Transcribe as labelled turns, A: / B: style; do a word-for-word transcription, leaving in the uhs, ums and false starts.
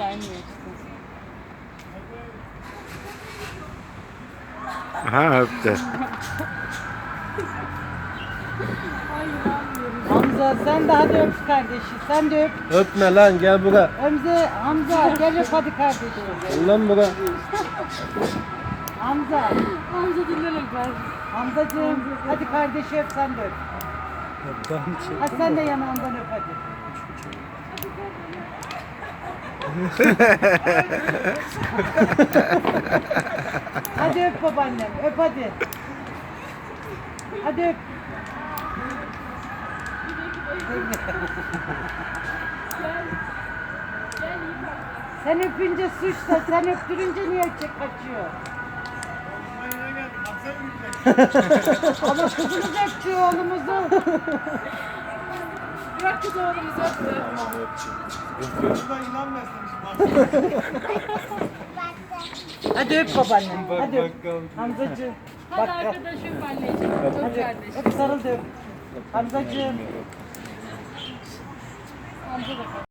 A: gelmiyor işte.
B: Ha öptü.
A: Hamza sen de hadi öp kardeşi. Sen de öp.
C: Öpme lan, gel buraya.
A: Hamza, Hamza gel öp hadi kardeşim.
C: Gel lan buraya.
A: Hamza.
D: Hamza dinlerim ben.
A: Hamzacığım hadi kardeşi öp sen de öp. Hadi sen de yanağından öp hadi. Hadi öp babaannem öp hadi. Hadi öp. Sen öpünce suçla, sen öptürünce niye çek kaçıyor? Ama kızımız öpüyor oğlumuzu.
D: Bırak kız oğlumuzu öptü.
A: Hadi öp babaannem, hadi öp. Hamzacığım.
D: Hadi
A: Bak,
D: arkadaşım anneciğim. Öp
A: hadi
D: kardeşim.
A: öp sarıl da öp. Hamzacığım.
D: Hamza da